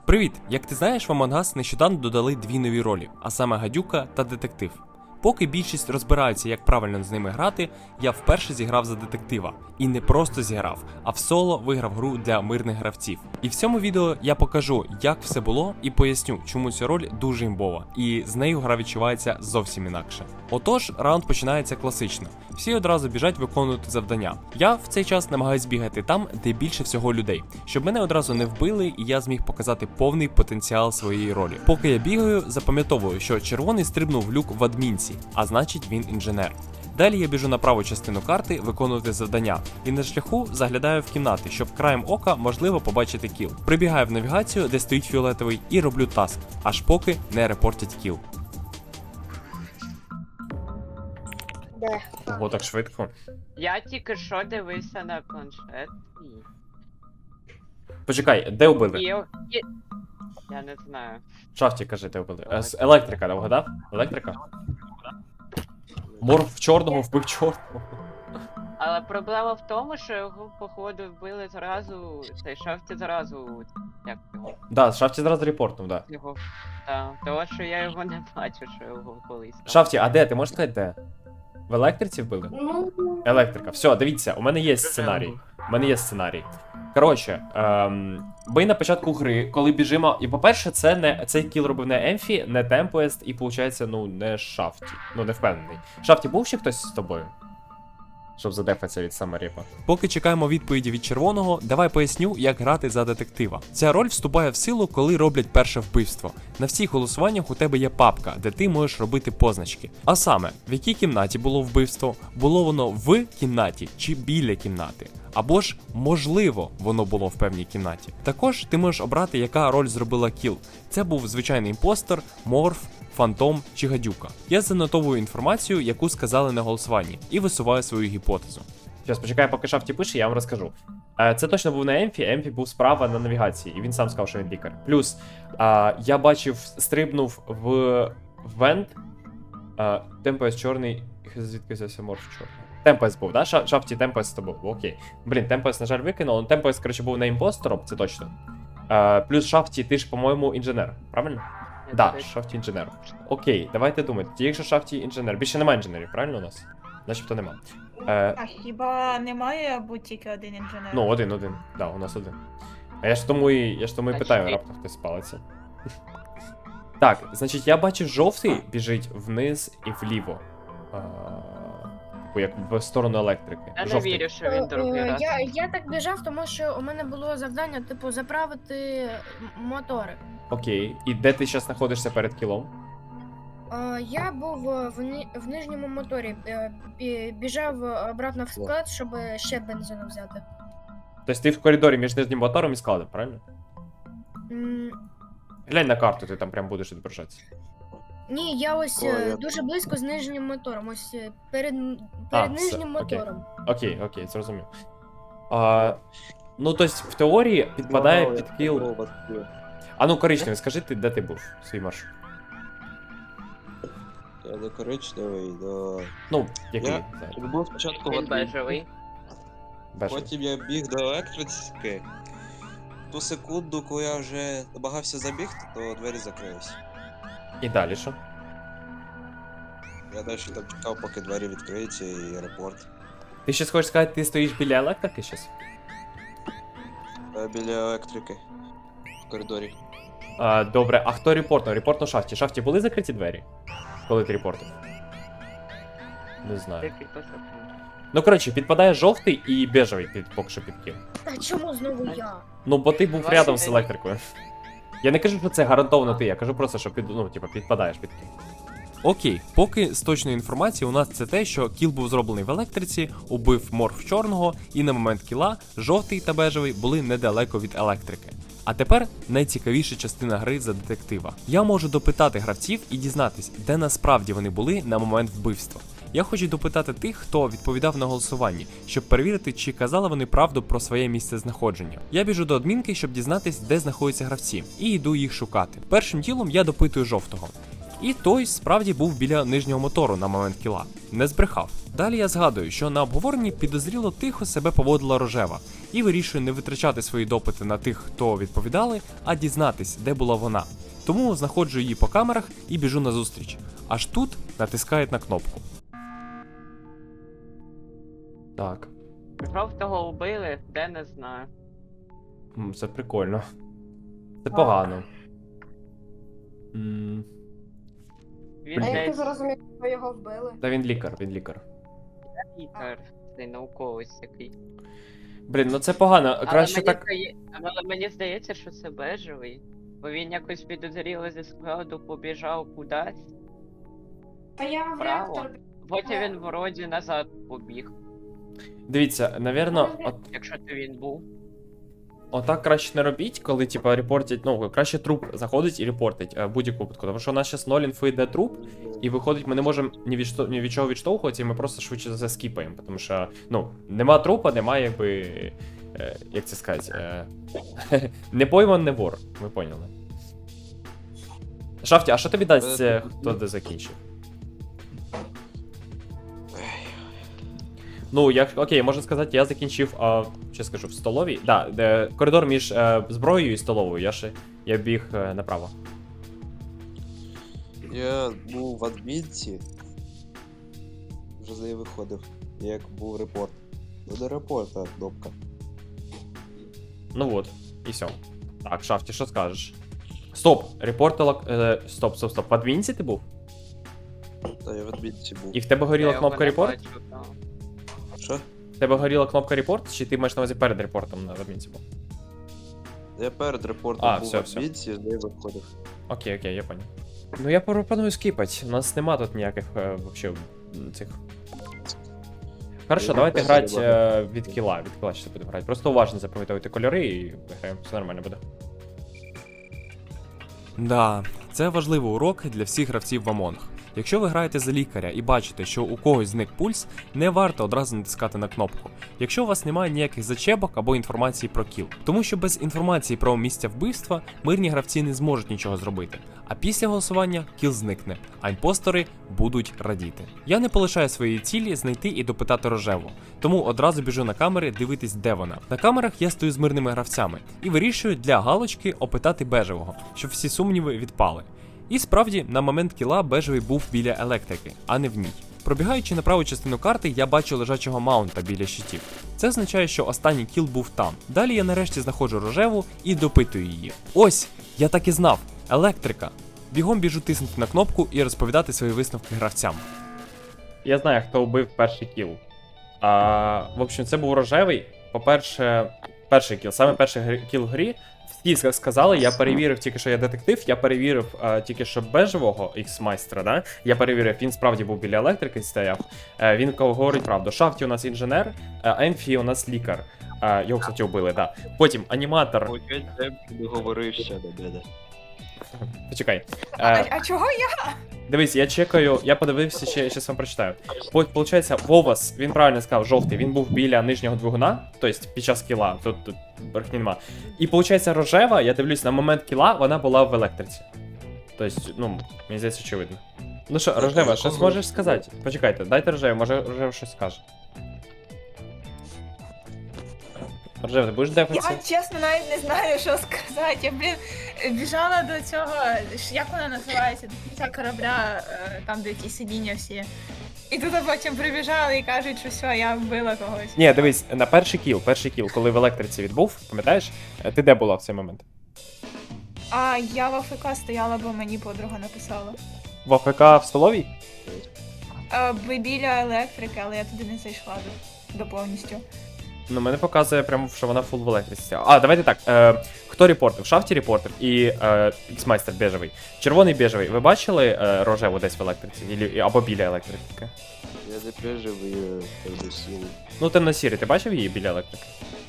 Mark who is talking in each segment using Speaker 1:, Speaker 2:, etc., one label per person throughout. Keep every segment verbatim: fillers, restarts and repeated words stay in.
Speaker 1: Привіт! Як ти знаєш, в Among Us нещодавно додали дві нові ролі, а саме гадюка та детектив. Поки більшість розбираються, як правильно з ними грати, я вперше зіграв за детектива. І не просто зіграв, а в соло виграв гру для мирних гравців. І в цьому відео я покажу, як все було, і поясню, чому ця роль дуже імбова, і з нею гра відчувається зовсім інакше. Отож, раунд починається класично. Всі одразу біжать виконувати завдання. Я в цей час намагаюсь бігати там, де більше всього людей, щоб мене одразу не вбили і я зміг показати повний потенціал своєї ролі. Поки я бігаю, запам'ятовую, що червоний стрибнув в люк в адмінці, а значить він інженер. Далі я біжу на праву частину карти виконувати завдання, і на шляху заглядаю в кімнати, щоб краєм ока можливо побачити кіл. Прибігаю в навігацію, де стоїть фіолетовий, і роблю таск, аж поки не репортять кіл.
Speaker 2: Де?
Speaker 1: Ого, так швидко.
Speaker 3: Я тільки що дивився на планшет і...
Speaker 1: Почекай, де убили?
Speaker 3: і... і- Я не знаю.
Speaker 1: Шафті, кажи, де убили. Е, з електрика, да, вгадав? Електрика? Мор в чорного вбив чорного.
Speaker 3: Але проблема в тому, що його, походу, вбили зразу, цей шафті зразу, як його,
Speaker 1: Да, Шафті зразу репортнув, да.
Speaker 3: його, та, того, що я його не бачу, що його колись. там.
Speaker 1: Шафті, а де? Ти можеш сказати, де? В електриці вбили?
Speaker 2: Ну,
Speaker 1: Електрика. Все, дивіться, у мене є сценарій. У мене є сценарій. Коротше, ем, ми на початку гри, коли біжимо. І по-перше, це не цей кіл робив не Емфі, не Темпест, і виходить, ну, не Шафті. Ну, не впевнений. Шафті, був ще хтось з тобою? Щоб задефатися від саморіпа. Поки чекаємо відповіді від червоного, давай поясню, як грати за детектива. Ця роль вступає в силу, коли роблять перше вбивство. На всіх голосуваннях у тебе є папка, де ти можеш робити позначки. А саме, в якій кімнаті було вбивство, було воно в кімнаті чи біля кімнати. Або ж, можливо, воно було в певній кімнаті. Також ти можеш обрати, яка роль зробила кіл. Це був звичайний імпостер, морф, фантом чи гадюка. Я занотовую інформацію, яку сказали на голосуванні, і висуваю свою гіпотезу. Зараз почекаю, поки Шафті пише, я вам розкажу. Е, Це точно був не Емфі, Емфі був справа на навігації, і він сам сказав, що він лікар. Плюс, е, я бачив, стрибнув в вент, е, Темпест чорний, звідки взявся морф чорний. Темпест був, да? Ша- Шафті Темпест то був, окей. Блін, Темпест, на жаль, викинув, але Темпест, коротше, був не імпостером, це точно. Е, Плюс Шафті, ти ж, по-моєму, інженер, правильно?
Speaker 3: Я
Speaker 1: Да,
Speaker 3: дивлюсь.
Speaker 1: Шафті інженер. Окей, давайте думати. Ті, якщо Шафті інженер, більше немає інженерів, правильно у нас? Начебто нема. Е,
Speaker 4: А хіба немає бути тільки один інженер?
Speaker 1: ну, один, один. Да, у нас один. А я ж тому і, я ж тому і
Speaker 3: А
Speaker 1: питаю,
Speaker 3: чи-
Speaker 1: раптом хтось спалиться. Так, значить, я бачив, жовтий біжить вниз і вліво. А, типу, як в сторону електрики.
Speaker 3: Я не
Speaker 1: Жовтий.
Speaker 3: вірю, що він другий
Speaker 2: е,
Speaker 3: раз.
Speaker 2: я, я так біжав, тому що у мене було завдання, типу, заправити м- мотори.
Speaker 1: Окей. І де ти зараз знаходишся перед кілом?
Speaker 2: Е, Я був е, в, ни- в нижньому моторі, е, бі- біжав обратно в склад, щоб ще бензину взяти.
Speaker 1: Тобто ти в коридорі між нижнім мотором і складом, правильно?
Speaker 2: М,
Speaker 1: Глянь на карту, ти там прям будеш відображатися.
Speaker 2: Ні, я ось
Speaker 5: О,
Speaker 2: е,
Speaker 5: я-
Speaker 2: дуже близько з нижнім мотором, ось е, перед, м-
Speaker 1: А,
Speaker 2: перед
Speaker 1: все,
Speaker 2: нижнім
Speaker 1: окей.
Speaker 2: мотором.
Speaker 1: Окей, окей, зрозумів. А, ну, тобто, в теорії підпадає
Speaker 5: Вау,
Speaker 1: під
Speaker 5: я
Speaker 1: кіл.
Speaker 5: такого вас бив.
Speaker 1: А ну, коричневий, скажи ти, де ти був свій маршрут?
Speaker 5: Я до коричневий, до...
Speaker 1: Ну, який?
Speaker 5: Я-
Speaker 1: зараз?
Speaker 5: Я був спочатку в
Speaker 3: Він
Speaker 5: адмінці,
Speaker 3: бежевий.
Speaker 1: Бежевий.
Speaker 5: потім я біг до електрики. Ту секунду, коли я вже намагався забігти, то двері закрились.
Speaker 1: І далі що?
Speaker 5: Я далі там чекав, поки двері відкриються і репорт.
Speaker 1: Ти ще хочеш сказати, ти стоїш біля електрики щас?
Speaker 5: Я біля електрики. В коридорі.
Speaker 1: А, добре, а хто репортнув? Репортнув Шафті. Шафті були закриті двері? Коли ти репортив? Не знаю.
Speaker 3: Ти підписав.
Speaker 1: Ну, коротше, підпадає жовтий і бежевий під, поки що під кіл.
Speaker 2: Та чому знову я?
Speaker 1: Ну, бо ти був
Speaker 3: Ваші
Speaker 1: рядом з
Speaker 3: ідеї.
Speaker 1: електрикою. Я не кажу, що це гарантовано ти, я кажу просто, що під, ну, типу, підпадаєш під кіл. Окей, поки з точної інформації у нас це те, що кіл був зроблений в електриці, убив морф чорного, і на момент кіла жовтий та бежевий були недалеко від електрики. А тепер найцікавіша частина гри за детектива. Я можу допитати гравців і дізнатись, де насправді вони були на момент вбивства. Я хочу допитати тих, хто відповідав на голосуванні, щоб перевірити, чи казали вони правду про своє місце знаходження. Я біжу до адмінки, щоб дізнатись, де знаходяться гравці, і йду їх шукати. Першим ділом я допитую жовтого.
Speaker 6: І той справді був біля нижнього мотору на момент кіла. Не збрехав. Далі я згадую, що на обговоренні підозріло тихо себе поводила рожева, і вирішую не витрачати свої допити на тих, хто відповідали, а дізнатись, де була вона. Тому знаходжу її по камерах і біжу назустріч. Аж тут натискають на кнопку.
Speaker 1: Так.
Speaker 3: Жовтого вбили, де не знаю.
Speaker 1: М, Це прикольно. Це погано. М,
Speaker 3: Він
Speaker 7: А як ти
Speaker 3: десь
Speaker 7: зрозумів, що його вбили?
Speaker 1: Та він лікар, він лікар.
Speaker 3: лікар, цей науковець який.
Speaker 1: Блін, ну це погано.
Speaker 3: Але
Speaker 1: Краще
Speaker 3: мені,
Speaker 1: так.
Speaker 3: здає... Але мені здається, що це бежевий. Бо він якось підозріло зі складу побіжав кудись.
Speaker 7: Та я в
Speaker 3: Право.
Speaker 7: реактор.
Speaker 3: Потім він вроді назад побіг,
Speaker 1: Дивіться, навірно, от,
Speaker 3: якщо то він був.
Speaker 1: отак краще не робіть, коли, типа, репортять, ну, краще труп заходить і репортить е, в будь-яку випадку. Тому що у нас зараз ноль інфи йде труп, і виходить, ми не можемо ні від, що- ні від чого відштовхуватися, і ми просто швидше за все скіпаємо. Тому що, ну, нема трупа, немає, якби. Е, як це сказати? Е, не пойман, не вор. Ми поняли. Шафті, а що тобі дасть, е, хто де закінчив? Ну, як окей, можна сказати, я закінчив, а, що скажу, в столовій. Да, де коридор між е, зброєю і столовою. Я ще я біг е, направо.
Speaker 5: Я був в адмінці. Вже з неї виходив. Як був репорт. Ну до репорта кнопка.
Speaker 1: Ну от, і все. Так, Шафті, що скажеш? Стоп! Репортила. Е, стоп, стоп, стоп. В адмінці ти був?
Speaker 5: Та я в адмінці був.
Speaker 1: І в тебе горіла
Speaker 3: Я його
Speaker 1: кнопка
Speaker 3: не
Speaker 1: репорт?
Speaker 3: бачу, да.
Speaker 5: Що?
Speaker 1: В тебе горіла кнопка репорт, чи ти маєш на увазі перед репортом на адмінці був?
Speaker 5: Я перед репортом
Speaker 1: А,
Speaker 5: був
Speaker 1: все,
Speaker 5: в
Speaker 1: все.
Speaker 5: адмінці, з неї виходив.
Speaker 1: Окей, окей, я понял. Ну я пропоную скіпати. У нас нема тут ніяких е, вообще м, цих. Хорошо,
Speaker 5: Я
Speaker 1: давайте
Speaker 5: теж
Speaker 1: грати
Speaker 5: не
Speaker 1: е, від кіла. Від кіла ще будемо грати. Просто уважно запам'ятовуйте кольори і виграємо. Все нормально буде.
Speaker 6: Да, це важливий урок для всіх гравців в Among. Якщо ви граєте за лікаря і бачите, що у когось зник пульс, не варто одразу натискати на кнопку, якщо у вас немає ніяких зачебок або інформації про кіл. Тому що без інформації про місця вбивства мирні гравці не зможуть нічого зробити. А після голосування кіл зникне, а імпостери будуть радіти. Я не полишаю своєї цілі знайти і допитати рожеву, тому одразу біжу на камери дивитись, де вона. На камерах я стою з мирними гравцями і вирішую для галочки опитати бежевого, щоб всі сумніви відпали. І справді, на момент кіла бежевий був біля електрики, а не в ній. Пробігаючи на праву частину карти, я бачу лежачого маунта біля щитів. Це означає, що останній кіл був там. Далі я нарешті знаходжу рожеву і допитую її. Ось, я так і знав, електрика. Бігом біжу тиснути на кнопку і розповідати свої висновки гравцям.
Speaker 1: Я знаю, хто вбив перший кіл. А, в общем, це був рожевий. По-перше, перший кіл, саме перший грі- кіл в грі. Всі сказали, я перевірив тільки, що я детектив, я перевірив а, тільки що бежевого ікс-майстра, да? Я перевірив, він справді був біля електрики стояв. Е, він говорить правду. Шафті у нас інженер, а Емфі у нас лікар. А, його, кстати, вбили, да. Потім аніматор.
Speaker 5: Не говорив ще до мене.
Speaker 1: Почекай.
Speaker 4: А,
Speaker 1: Е,
Speaker 4: а чого я?
Speaker 1: Дивись, я чекаю, я подивився, ще щас вам прочитаю. По- Получається, Вовас, він правильно сказав, жовтий, він був біля нижнього двигуна, тобто під час кіла, тут, тут брехні нема. І виходить, рожева, я дивлюсь, на момент кіла вона була в електриці. Тобто, ну, мені здається, очевидно. Ну що, рожева, щось можеш сказати? Почекайте, дайте рожеву, може рожева щось скаже. Рожева, ти будеш дефатися?
Speaker 4: Я чесно навіть не знаю, що сказати. Я, блін, біжала до цього, ж- як вона називається, до кінця корабля, е, там, де ті сидіння всі. І тут потім прибіжали і кажуть, що все, я вбила когось.
Speaker 1: Ні, дивись, на перший кіл, перший кіл, коли в електриці відбув, пам'ятаєш? Е, Ти де була в цей момент?
Speaker 4: А я в АФК стояла, бо мені подруга написала.
Speaker 1: В АФК в столовій?
Speaker 4: Е, Ви біля електрики, але я туди не зайшла до, до повністю.
Speaker 1: Ну, мене показує прямо, що вона фул в електриці. А, давайте так. Е, хто репортив? Шафті репортив і е, X-майстер бежевий. Червоний бежевий. Ви бачили е, рожеву десь в електриці? Ілі- або біля електрики?
Speaker 5: Я не бежевий, я темно-сірий.
Speaker 1: Ну, темно-сірий, ти бачив її біля електрики?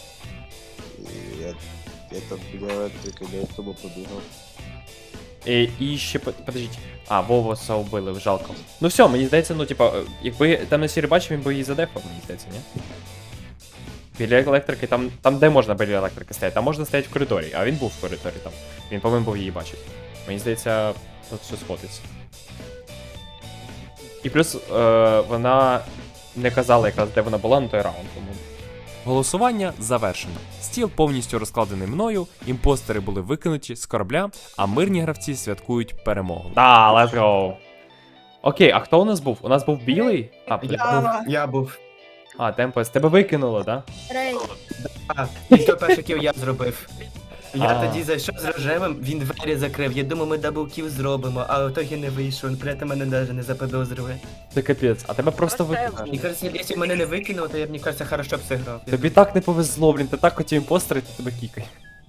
Speaker 5: І Я, я там біля електрики не тому побігав.
Speaker 1: І, і ще, по- подождіть. А, Вовоса вбили, жалко. Ну все, мені здається, ну, типа, е, якби темно-сірий бачив, він би її задефав, мені здається, ні? Біля електрики, там, там де можна біля електрики стояти? Там можна стояти в коридорі, а він був в коридорі там. Він повинен був її бачити. Мені здається, тут все сходиться. І плюс е, вона не казала якраз, де вона була на той раунд. Тому.
Speaker 6: Голосування завершено. Стіл повністю розкладений мною, імпостери були викинуті з корабля, а мирні гравці святкують перемогу.
Speaker 1: Да, let's go. Окей, а хто у нас був? У нас був білий? А,
Speaker 8: Я був, я був.
Speaker 1: а Темпест. Тебе викинуло, так? Да?
Speaker 2: Рей.
Speaker 8: А, і хто перший кіл я зробив. Я
Speaker 1: А.
Speaker 8: тоді зайшов з рожевим, він двері закрив. Я думав, ми даблкіл зробимо, а в ітогі не вийшов. Він при цьому мене навіть не заподозрює.
Speaker 1: Це капець, а тебе просто
Speaker 3: Просто
Speaker 1: викинуло.
Speaker 8: Мені кажеться, якщо б мене не викинуло, то я б, мені кажеться, хорошо б зіграв.
Speaker 1: Тобі так не повезло, блін, ти так хотів імпостери, то тебе кікай.